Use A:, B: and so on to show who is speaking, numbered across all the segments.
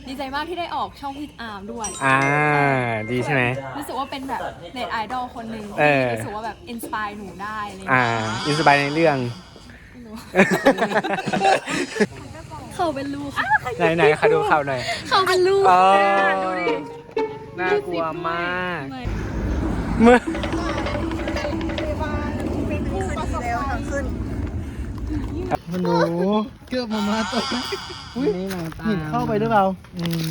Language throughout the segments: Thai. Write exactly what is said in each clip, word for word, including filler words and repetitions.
A: ดีใจมากที่ได้ออกช่องพี่อาร์มด้วย
B: อ่าดีใช่ไหม
A: รู้สึกว่าเป็นแบบเน็ตไอดอลคนหนึ่ง
B: เออ
A: ที่รู้สึกว่าแบบอินสปายหนูได้อะไรอย่าง
B: อ่า
A: เงี้ย
B: อินสปายในเรื่อง
A: เขาเป็นลูก
B: ไหนไหนๆค่ะดูข่าวหน่อย
A: เขาเป็นลูก
B: อ๋อ
A: ดูดิ
B: น่ากลัวมากเมื่อ
C: มันหนูเกือบมามาตัว
B: นี่หนังตา
C: หินเข้าไปหรือเปล่า
B: อืม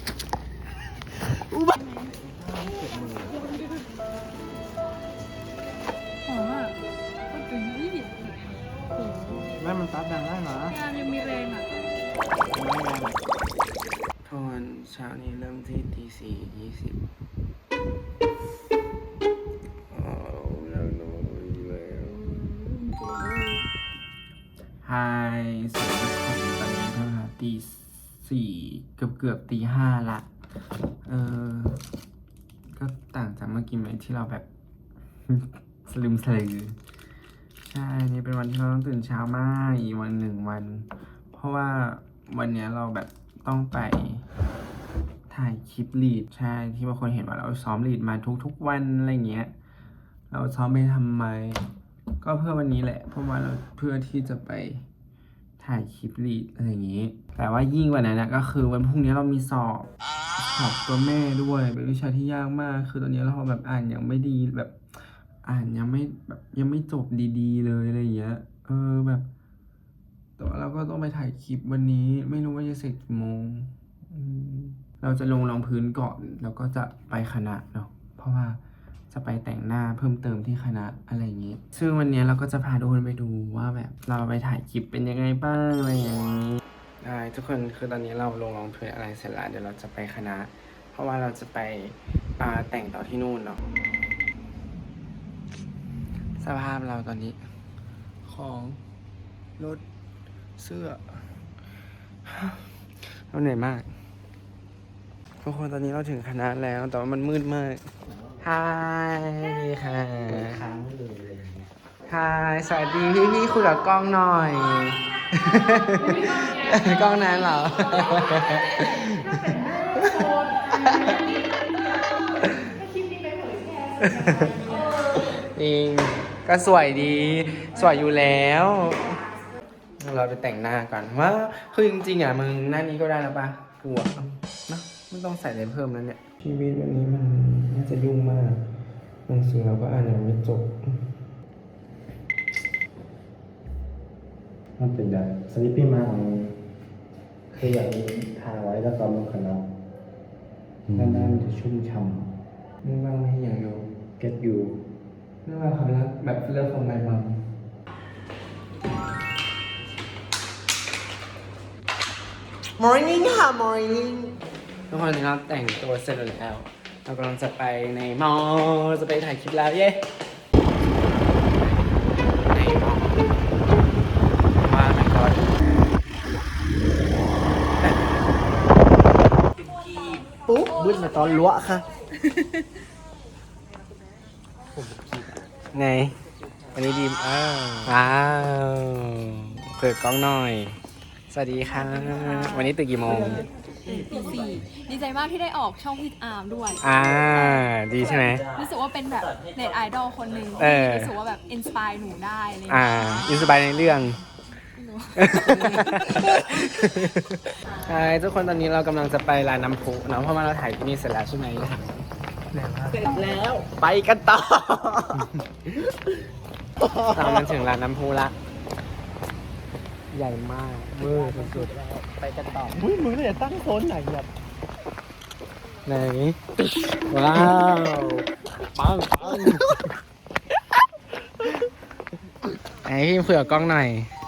A: หอมอ่ะก็ถึงยี่สิบ
C: แม่มันตัดดังได้เหรอ
A: พี่อาร์มยังมีแรงอ่ะ
B: ทอนเช้านี้เริ่มที่ตีสี่ยี่สิบไฮสวัสดีทุกคนตอนนี้ก็ตีสี่เกือบเกือบตีห้าละ เออ ก็ต่างจากเมื่อกี้ไหมที่เราแบบ สลืมสลือใช่ นี่เป็นวันที่เราต้องตื่นเช้ามากอีกวันหนึ่งวัน เพราะว่าวันเนี้ยเราแบบต้องไปถ่ายคลิปลีดใช่ที่บางคนเห็นว่าเราซ้อมลีดมาทุกๆวันอะไรเงี้ย เราซ้อมไปทำไม ก็เพื่อวันนี้แหละ เพราะว่าเราเพื่อที่จะไปถ่ายคลิปลีดอะไรอย่างงี้ แต่ว่ายิ่งกว่านั้นนะก็คือวันพรุ่งนี้เรามีสอบสอบตัวแม่ด้วยเป็นวิชาที่ยากมาก คือตอนนี้เราแบบอ่านยังไม่ดีแบบ อ่านยังไม่แบบยังไม่จบดีๆเลยอะไรอย่างเงี้ย เออแบบแต่ว่าเราก็ต้องไปถ่ายคลิปวันนี้ไม่รู้ว่าจะเสร็จกี่โมงอืมเราจะลงรองพื้นก่อนแล้วก็จะไปคณะเนาะเพราะว่าจะไปแต่งหน้าเพิ่มเติมที่คณะอะไรอย่างงี้ ซึ่งวันนี้เราก็จะพาทุกคนไปดูว่าแบบเราไปถ่ายคลิปเป็นยังไงบ้างอะไรอย่างนี้ได้ทุกคนคือตอนนี้เราลงรองพื้นอะไรเสร็จแล้วเดี๋ยวเราจะไปคณะ เพราะว่าเราจะไปอ่าแต่งต่อที่นู่นเนาะ สภาพเราตอนนี้ ของรถเสื้อ เราเหนื่อยมากทุกคนตอนนี้เราถึงคณะแล้วแต่ว่ามันมืดมากฮายค่ะฮายสวัสดีพี่พี่คุยกับกล้องหน่อย กล้องนั้นเหรอ จริงก็สวยดี สวยอยู่แล้ว เราไปแต่งหน้าก่อนว่าคือจริงๆอ่ะมึงหน้านี้ก็ได้แล้วปะกลัวเนอะไม่ต้องใส่อะไรเพิ่มแล้วเนี่ยชีวิตวันนี้มันน่าจะยุ่งมากหนังสือเราก็อ่านยังไม่จบ
C: มันเป็นได้สลิปปี้มากคืออย่างนี้ทาไว้แล้วตอนลงคณะด้านหน้ามันจะชุ่มฉ่
B: มึงบ้างไหมอย่างอยู่
C: ำ get you
B: ไม่ว่าความรักแบบเลิกของไมมัม morning ค่ะ morning ทุกคนเราแต่งตัวเสร็จแล้วเรากำลังจะไปในมอลจะไปถ่ายคลิปแล้วเย้ในมอลมาไหนก่อน
C: ปุ๊บบึ้นมาตอนล้วค่ะ
B: ไงวันนี้ดีมอ้าวว้าวเปิดกล้องหน่อย สวัสดีค่ะ วันนี้ตื่นกี่โมง
A: ตีสี่ดีใจมากที่ได้ออกช่องพี่อาร์มด้วย
B: อ่า ดีใช่ไหม
A: รู้สึกว่าเป็นแบบเน็ตไอดอลคนหนึ่ง
B: เอ
A: ที่
B: อ
A: รู้สึกว่าแบบอินสปายหนูได้อะไรอย่าง
B: อ่า
A: เงี้ย
B: อินสปายในเรื่อง ใช่ทุกคนตอนนี้เรากำลังจะไปร้านน้ำพุเนาะเพราะว่าเราถ่ายที่นี่เสร็จแล้วใช่ไหมเสร็จแล้วไปกันต่อ เรามันถึงร้านน้ำพุละ ใหญ่มากเวอร์สุดๆไปกันต่อ
C: อุ้ยมึงเนี่ยตั้งโซนไหนแบบ
B: ไหนว้าวปังปังไอพี่เผื่อกล้องหน่อย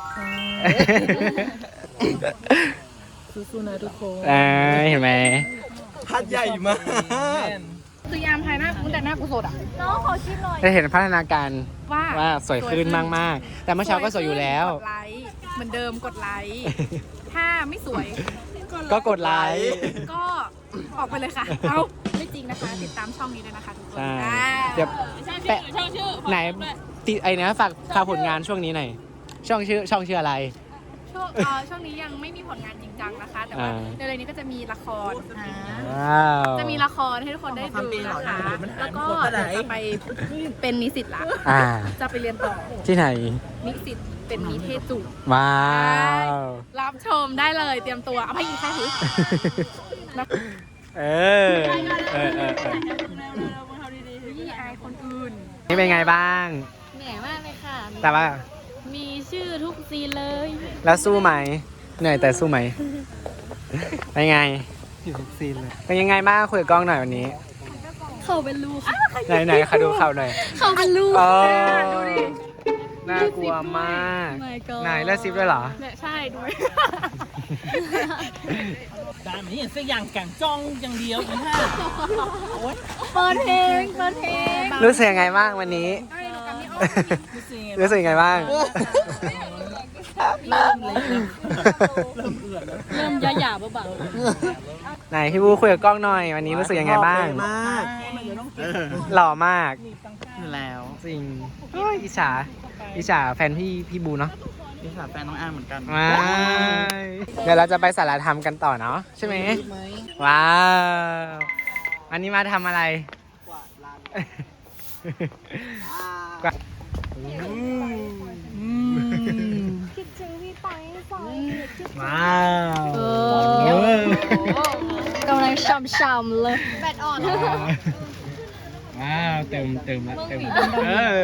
A: สู้ๆนะทุกคน
B: อ่าเห็นไหม
C: พัดใหญ่มาก
A: คือยามภายหน้ากูแต่หน้ากูสดอ่ะน้องขอชิมหน่อย
B: ได้เห็นพัฒนาการ
A: ว่า
B: ว่าสวยขึ้นมากๆ แต่เมื่อเช้าก็สวยอยู่แล้ว
A: กดไลค์เหมือนเดิมกดไลค์ถ้าไม่สวย
B: ก็กดไลค์
A: ก็ออกไปเลยค่ะ เอาไม่จริงนะคะ ติดตามช่องนี้ด้วยนะคะทุกคน
B: ใช่
A: อ่า
B: เดี๋ยวแปะไหนติไอ้นะฝากฝากผลงานช่วงนี้หน่อย ช่องชื่อช่องชื่ออะไร
A: ช่ช่วงเอ่อช่วงนี้ยังไม่มีผลงานจริงจังนะคะ แต่ว่า
B: อ่า
A: เร็วๆนี้ก็จะมีละคร
B: ว้าว
A: จะมีละครให้ทุกคนได้ดูนะคะ แล้วก็เดี๋ยวจะไปเป็นนิสิตละ
B: อ่า
A: จะไปเรียนต่อ
B: ที่ไหน
A: นิสิตเป็นนิเทศจุฬา
B: ว้าว
A: รับชมได้เลยเตรียมตัวเอาให้อีกแค่ถือ
B: เออ เออเออเออ
A: นี่อายคนอื่น
B: นี่เป็นไงบ้าง
D: เหนื่อยมากเลยค่ะ
B: แต่ว่า
D: มีชื่อทุกซีนเลย
B: แล้วสู้ไหม เหนื่อยแต่สู้ไหม เป็นไง
C: อยู่ทุกซีนเลย
B: เป็นยังไงบ้างคุยกับกล้องหน่อยวันนี้
D: เขาเป็นลูก
B: ไหนไหนๆขอดูเข่าหน่อย
D: เขาเป็นลูก
B: อ๋อ
A: ดูดิ
B: น่ากลัวมาก
D: My God
B: ไหนเลือดซิปด้วยเหรอ
A: เนี่ยใช่ดู
E: 但係明顯識人勁裝อย่างเดียวอีห้า
D: เปิดเพลง เปิดเพลง
B: รู้สึกยังไงบ้างวันนี้ รู้สึกยังไงบ้าง
E: เริ่มเล็กแล้วเริ่มเอื่อนแล้ว
D: เริ่มยาหยาเบา
B: ไหนพี่บูคุยกับกล้องหน่อย วันนี้รู้สึกยังไงบ้าง
C: มาก
B: หล่อมาก
C: อยู่แล้ว
B: จริงโอ้ยอิจฉาอิจฉาแฟนพี่พี่บูเนาะ
C: นี่ค่ะแฟนน้องอ้างเหมือนกัน
B: ว้ายเดี๋ยวเราจะไปสารธรรมกันต่อเนาะใช่ไหมว้าวอันนี้มาทำอะไรกวาด
D: คิดถึงพี่ไปสอย
B: ว้าว
D: เออกำลังช่ำๆเลย แบตอ่อน
B: ว้าวเติมเติมละเติมเออ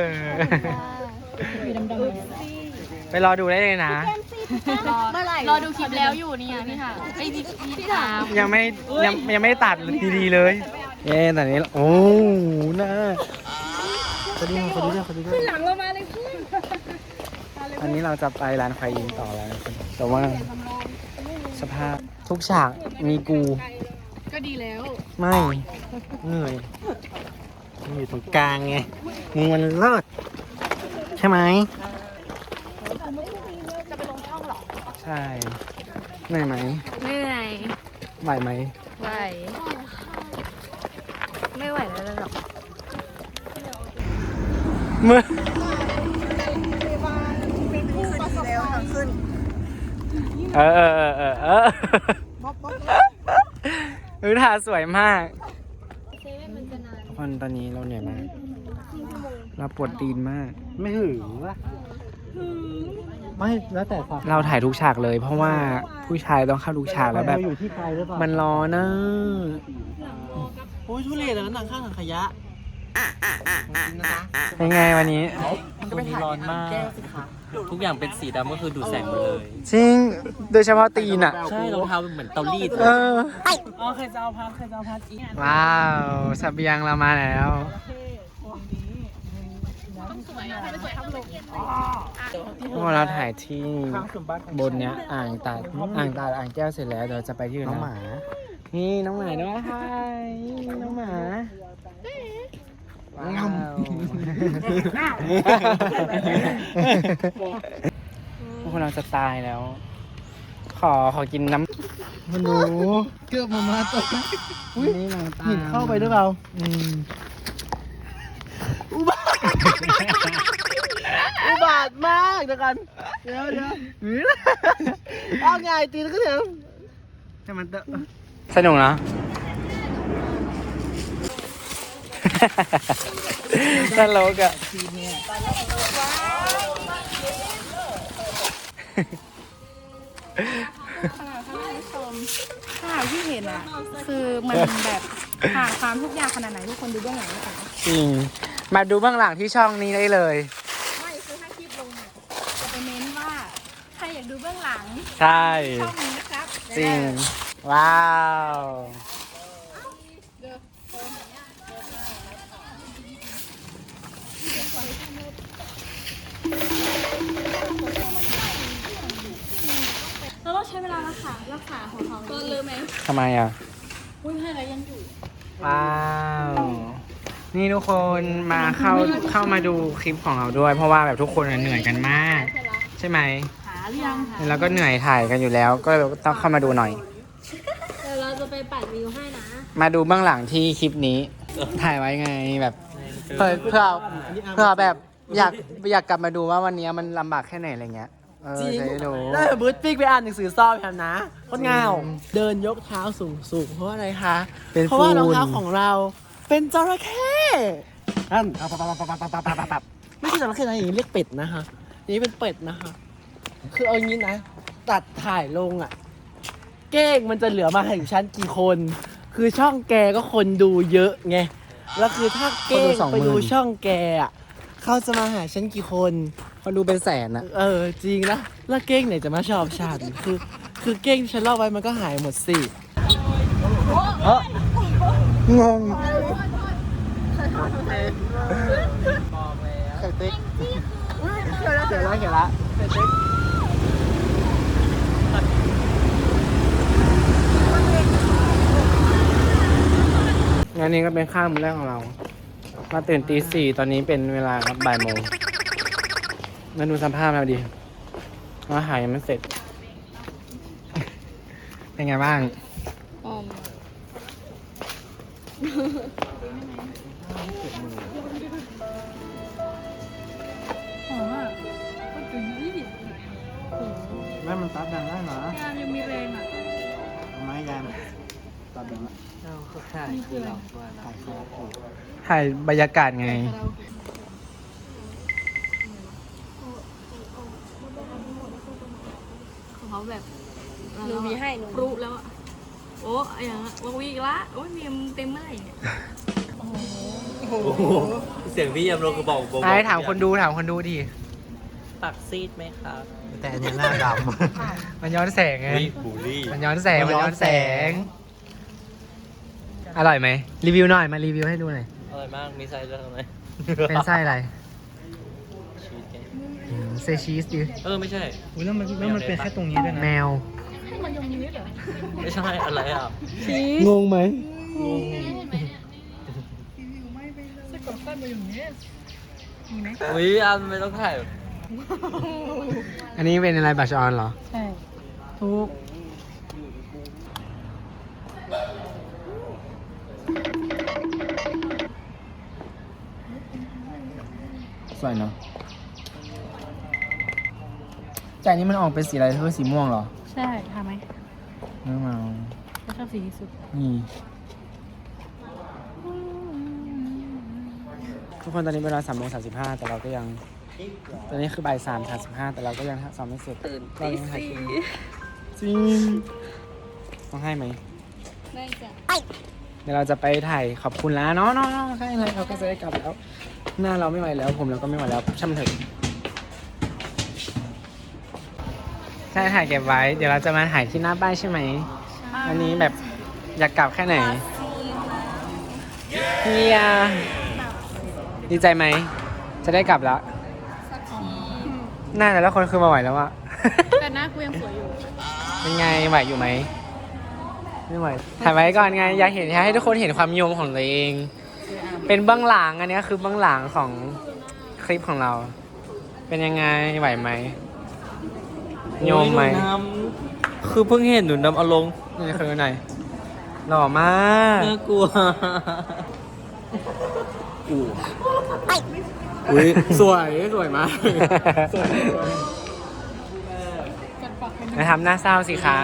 B: ไปรอดูได้เลยนะ
D: เมื่อไหร่รอดูคลิปแล้วอยู่นี่ไงพี่ค่ะไอ้พี่พี่ถาม
B: ยังไม่ยังยังไม่ตัดดีๆเลย เย้แต่นี้โอ้น่า
C: คนนี้คนนี้ด้วยคนนี้ด้วย
A: หลังเรามาเลยพี่
B: อันนี้เราจะไปร้านควายยิงต่อแล้วนะครับแต่ว่าสภาพทุกฉากมีกู
A: ก็ดีแล้ว
B: ไม่เหนื่อยมึงอยู่ตรงกลางไงมึงมันเลิศใช่ไหมจะไปลงช่องหรอใช่เหนื่อยไหม
D: ไม่เหนื่อย
B: ไหวไหม
D: ไหวไม่ไหวแล้วหรอก
B: เมื่อเออเออเออเออเออเออท่าสวยมาก
D: เซเว่นมันจะนาน
B: ทุกคนตอนนี้เราเหนื่อยมาก เราปวดตีนมาก
C: ไม่หึงวะไม่แล้วแต่ความ
B: เราถ่ายทุกฉากเลย เพราะว่าผู้ชายต้องเข้าทุกฉากแล้วแบบ
C: เราอยู่ที่ใครหรือเปล่า
B: มันร้อนนะ
E: โอ้ยทุเรศเลยนั่งข้างถังขยะ
B: เป็นไงวันนี้
E: มันก็ไปถ่ายร้อนมาก ทุกอย่างเป็นสีดำก็คือดูดแสงหมดเลย
B: จริง โดยเฉพาะตีนอ่ะ
E: ใช่รองเท้าเป็นเหมือนเตารีดเล
B: เอย อ
E: อ๋อใครจะเอาพัดใครจะเอาพัดอีก
B: ว้าวเสบียงเรามาแล้ว พวกเราถ่ายที่บนเนี้ยอ่างตาดอ่างตาดอ่างแก้วเสร็จแล้วเดี๋ยวจะไปที่อื่น
C: น้อง
B: นะ
C: หมา
B: นี่น้องหมาด้วยฮายน้องหมาว้าวพวกเราจะตายแล้ว ขอขอกินน้ำ
C: มันหนูเกือบมามาตัว
B: นี่น้ำตา
C: หินเข้าไปหรือเปล่า
B: อืม
C: อุบาทมากเดี๋ยวกันเดี๋ยวเดี๋ยวเอาไงตีนก็เดี๋ยว
B: ให้มันเตอะสนุกเนาะ ตลกอะ
A: ถ้าที่เห็นอ่ะ คือมันแบบห่างความทุกอย่างขนาดไหนทุกคนดูเบื้องหลังนะคะ
B: จริง มาดูเบื้องหลังที่ช่องนี้ได้เลย
A: ไม่คือถ้าคลิปลงเนี่ยจะไปเน้นว่าใครอยากดูเบื้องหลัง
B: ใช่
A: ช่องนี้นะครับ
B: จริง ว้าว
A: เราต้องใช้เวลารักษารักษาของเขาก็เลยไหม
B: ทำไมอ่ะ
A: อุ้ยให้อะไรยังอยู่
B: ว้าว นี่ทุกคนมาเข้าเข้ามาดูคลิปของเราด้วย เพราะว่าแบบทุกคนเหนื่อยกันมาก ใช่ไหม
A: หาหรือยังหา
B: แล้วก็เหนื่อยถ่ายกันอยู่แล้ว ก็ต้องเข้ามาดูหน่อย
D: เดี๋ยวเราจะไปปัดวิวให้นะ
B: มาดูเบื้องหลังที่คลิปนี้ ถ่ายไว้ไงแบบเพื่อเพื่อเพื่อแบบอยากอยากกลับมาดูว่าวันนี้มันลำบากแค่ไหนอะไรเงี้ย เอเออ
F: จริง
B: ใช่หนู
F: ได้บูธปิ๊กไปอ่านหนังสือสอบแถมนะคนเงาเดินยกเท้าสูงสูงเพราะอะไรคะ
B: เป็น
F: เพราะว่ารอง
B: ฝุ่น
F: เท้าของเราเป็นจระเข้นั่นปับปับปับปับปับปับปับปับปับไม่ใช่จระเข้นะอย่างนี้เรียกเป็ดนะคะอย่างนี้เป็นเป็ดนะคะ คือเอางี้นะ ตัดถ่ายลงอ่ะ เก้งมันจะเหลือมาถึงชั้นกี่คน คือช่องแกก็คนดูเยอะไง แล้วคือถ้าเก้งไปดูช่องแกอ่ะเขาจะมาหาฉันกี่คน
B: เขาดูเป็นแสนอะ
F: เออจริงนะแล้วเก้งไหนจะมาชอบฉันคือ คือเก้งที่ฉันเล่าไว้มันก็หายหมดสิ
B: งง
F: ไข่ติ๊กเขียวแล้วเขียวแล้วเขียวแล้วไข่ติ๊ก
B: งานนี้ก็เป็นข้าวมื้อแรกของเรา มาตื่นตีสี่ตอนนี้เป็นเวลาครับบ่ายโมงมาดูสภาพเราดิอาหารยังไม่เสร็จ เป็นไงบ้าง
D: ออม
A: หอมอ่ะก็จุ๋ย
B: แม่มันตัดดังได้เหรอง
A: านยังมีแรงอ่ะ
B: ทำไมยามตัดดังละ
E: เขาถ่ายคือเราว่านะ
B: ถ่ายบรรยากาศไง
D: ของเขาแบบ
A: หนูมีให้หนู
D: ปรุแล้วอะโอ้ยอย่างนั้นววีอีกละโอ้ยเมียมเต็มเมื่อไหร่เนี่ย
E: เสียงพี่ยำโรคือบอกบอก
B: ไอ้ถามคนดูถามคนดูดิ
E: ปักซีดไหมครับ
C: แต่อันเนี้ยหน้าด
B: มันย้อนแสงไง
E: วิบูลลี่
B: มันย้อนแสง มันย้อนแสง อร่อยไหม รีวิวหน่อย มารีวิวให้ดูหน่อย
E: อร่อยมาก มีไส้ด้วยไหม
B: เป็นไส้อะไร
E: ชีสไง
B: อืมเซชีสดิ
E: เออ ไม่ใช่
B: อุ้ยแล้วมันแล้วมันเป็นแค่ตรงนี้ด้วยนะ แมว
E: ไม่ใช่อะไรอ่ะ
B: งงไหม
E: อุ้ยอันไม่ต้องถ่าย
B: อันนี้เป็นอะไรบัชออนเหรอ
A: ใช่ทุก
B: สวยเนาะใจนี้มันออกเป็นสีอะไรเธอสีม่วงเหรอ
A: ใช่ทำไหม
B: ไม่เอา
A: ฉันชอบสีที่สุด
B: นี่ ทุกคนตอนนี้เวลาสามโมงสามสิบห้าแต่เราก็ยัง ตอนนี้คือบ่ายสามสามสิบห้าแต่เราก็ยังซ้อมไม่เสร็จตื่นตีสี่จริงต้องให้ไหม
D: ได้จ้ะ
B: เดี๋ยวเราจะไปถ่ายขอบคุณแล้วเนาะเนาะเนาะใช่เลยเราก็จะได้กลับแล้ว หน้าเราไม่ไหวแล้ว ผมเราก็ไม่ไหวแล้วช่ำเถอะใช่ถ่ายเก็บไว้ เดี๋ยวเราจะมาถ่ายที่หน้าป้ายใช่ไหมอันนี้แบบอยากกลับแค่ไหนเฮียดีใจไหม จะได้กลับแล้วหน้าแต่ละคนคือมาไหวแล้วอะ
A: แต่หน้ากูยังสวยอยู่
B: เป็นไงไหวอยู่ไหมไม่ไหวถ่ายไว้ก่อนไง อยากเห็นให้ทุกคนเห็นความนิยมของตัวเอง เป็นเบื้องหลังอันนี้คือเบื้องหลังของคลิปของเรา เป็นยังไงไหวไหมโยมไหม
E: โอ้ยนูน้ำคือเพิ่งเห็นหนูน้ำเอาลง
B: นี่คือไหนหล่อมาก
E: น่ากลัว
B: อุ้ยสวยสวยมากมาทำหน้าเศร้าสิคะ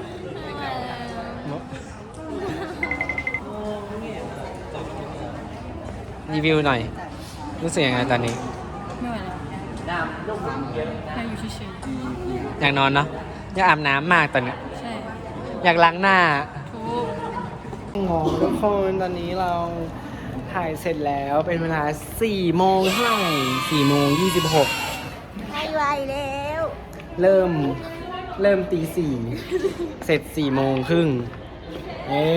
B: รีวิวหน่อย รู้สึกยังไงตอนนี้
A: ไม่ไหวแล้วอยากอยู่เฉย
B: อยากนอนเนาะอยากอาบน้ำมากตอนเนี้ย
A: ๆใช่
B: อยากล้างหน้า
A: ทุก
B: งงทุกคนตอนนี้เราถ่ายเสร็จแล้วเป็นเวลาสี่โมงเท่าไหร่สี่โมงยี่สิบหก
A: ไม่ไหวแล้ว
B: เริ่มเริ่มตีสี่เสร็จสี่โมงครึ่งเอ๊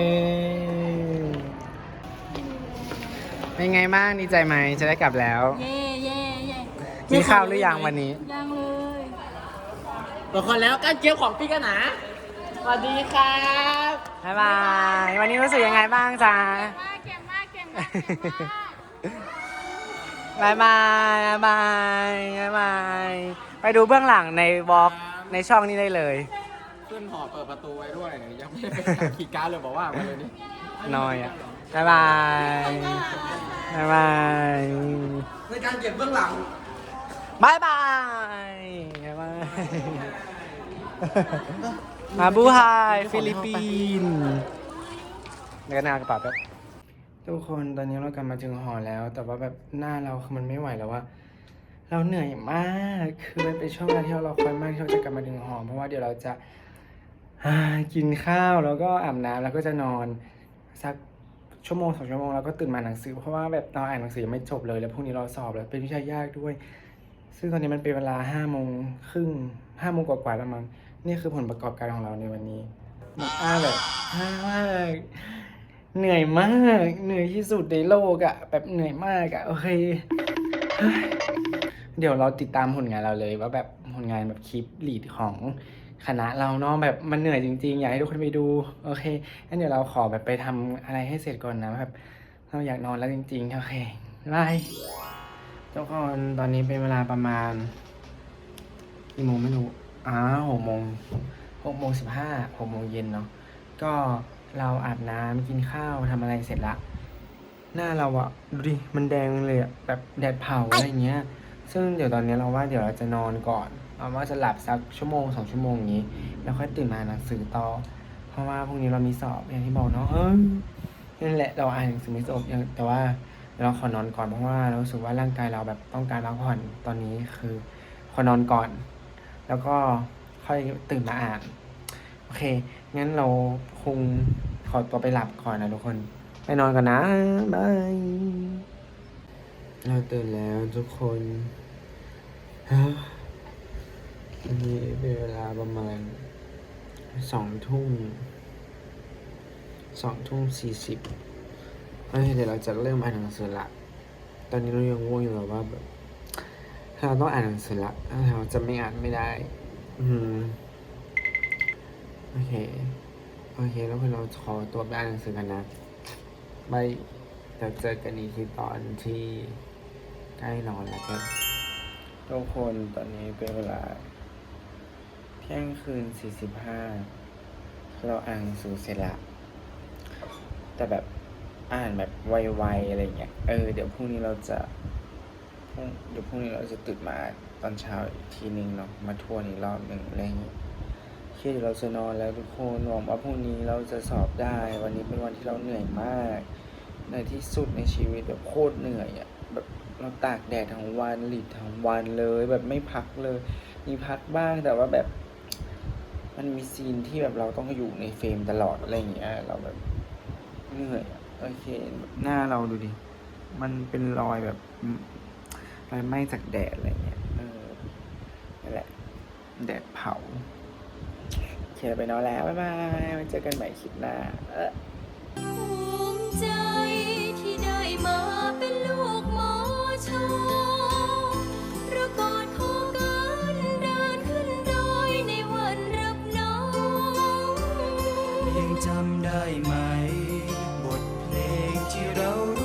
B: เป็นไงบ้างดีใจไหมจะได้กลับแล้ว
A: เย่เย่เย่
B: กินข้าวหรือยังวันนี้
A: ยังเลย
F: บอกคนแล้วการเกี่ยวของพี่กันนะสวัสดีครับ
B: บ๊ายบายวันนี้รู้สึกยังไงบ้างจ๊ะ
A: เก่งมากเก่งมากเก่งมาก
B: บายบายบายบายบายไปดูเบื้องหลังในวอล์กในช่องนี้ได้เลย
F: ขึ้นหอเปิดประตูไว้ด้วยยังไม่ได้ไปขีดการ์ดเลยบอกว่ามาเลยนี่
B: น้อยอ่ะบายบายบายบาย
F: ในการเก็บเบื้องหลัง
B: บายบายบายบายมาบูไฮฟิลิปปินส์แล้วก็นากระเป๋าแบบทุกคนตอนนี้เรากลับมาถึงหอแล้ว แต่ว่าแบบหน้าเราคือมันไม่ไหวแล้วว่า เราเหนื่อยมากคือมันเป็นช่วงเวลาที่เรารอคอยมากที่เราจะกลับมาถึงหอเพราะว่าเดี๋ยวเราจะกินข้าวแล้วก็อาบน้ำแล้วก็จะนอนสักชั่วโมงสองชั่วโมงแล้วก็ตื่นมาอ่านหนังสือเพราะว่าแบบเราอ่านหนังสือยังไม่จบเลยแล้วพรุ่งนี้เราสอบแล้วเป็นวิชายากด้วย ซึ่งตอนนี้มันเป็นเวลาห้าโมงครึ่งห้าโมงกว่าๆแล้วมั้งนี่คือผลประกอบการของเราในวันนี้มันอ้าแบบอ้ามากเหนื่อยมากเหนื่อยที่สุดในโลกอะแบบเหนื่อยมากอะโอเคเดี๋ยวเราติดตามผลงานเราเลยว่าแบบผลงานแบบคลิปลีดของคณะเราเนาะแบบมันเหนื่อยจริงๆอยากให้ทุกคนไปดูโอเคงั้นเดี๋ยวเราขอแบบไปทำอะไรให้เสร็จก่อนนะแบบเราอยากนอนแล้วจริงๆโอเคบายทุกคนตอนนี้เป็นเวลาประมาณกี่โมงไม่รู้อ้าวหกโมงหกโมงสิบห้าหกโมงเย็นเนาะก็เราอาบน้ำกินข้าวทำอะไรเสร็จละหน้าเราอะดูดิมันแดงเลยอะแบบแดดเผาอะไรเงี้ยซึ่งเดี๋ยวตอนนี้เราว่าเดี๋ยวเราจะนอนก่อนเราว่าจะหลับสักชั่วโมงสองชั่วโมงอย่างนี้แล้วค่อยตื่นมาอ่านหนังสือต่อเพราะว่าพรุ่งนี้เรามีสอบอย่างที่บอกเนาะเออนั่นแหละเราอ่านหนังสือไม่จบยังแต่ว่าเราขอนอนก่อนเพราะว่าเรารู้สึกว่าร่างกายเราแบบต้องการพักผ่อนตอนนี้คือขอนอนก่อนแล้วก็ค่อยตื่นมาอ่านโอเคงั้นเราคงขอตัวไปหลับก่อนนะทุกคนไปนอนกันนะบายเราตื่นแล้วทุกคนอันนี้เป็นเวลาประมาณสองทุ่มสองทุ่มสี่สิบโอเคเดี๋ยวเราจะเริ่มอ่านหนังสือละตอนนี้เรายังง่วงอยู่แบบว่าแบบถ้าเราต้องอ่านหนังสือละถ้าเราจะไม่อ่านไม่ได้ อืมโอเคโอเคแล้วเราขอตัวไปอ่านหนังสือกันนะบายจะเจอกันอีกทีตอนที่ใกล้นอนแล้วกันทุกคนตอนนี้เป็นเวลาเที่ยงคืนสี่สิบห้าเราอ่านหนังสือเสร็จละแต่แบบอ่านแบบไวๆอะไรเงี้ยเออเดี๋ยวพรุ่งนี้เราจะเดี๋ยวพรุ่งนี้เราจะตื่นมาตอนเช้าอีกทีนึงเนาะมาทวนอีกรอบหนึ่งอะไรเงี้ยคิดเราจะนอนแล้วทุกคนหวังว่าพรุ่งนี้เราจะสอบได้วันนี้เป็นวันที่เราเหนื่อยมากเหนื่อยที่สุดในชีวิตแบบโคตรเหนื่อยอ่ะแบบเราตากแดดทั้งวันหลีดทั้งวันเลยแบบไม่พักเลยมีพักบ้างแต่ว่าแบบมันมีซีนที่แบบเราต้องอยู่ในเฟรมตลอดอะไรอย่างเงี้ยเราแบบเหนื่อยอะโอเคหน้าเราดูดิมันเป็นรอยแบบรอยไหม้จากแดดอะไรเงี้ยเออนั่นแหละแดดเผาโอเคไปนอนแล้วบ๊ายบายไว้เจอกันใหม่คลิปหน้าเออ
G: ภูมิใจที่ได้มาเป็นลูกหมอชอระกอดคอกันเดินขึ้นดอยในวันรับน้อง
H: ยังจำได้ไหม บทเพลงที่เรา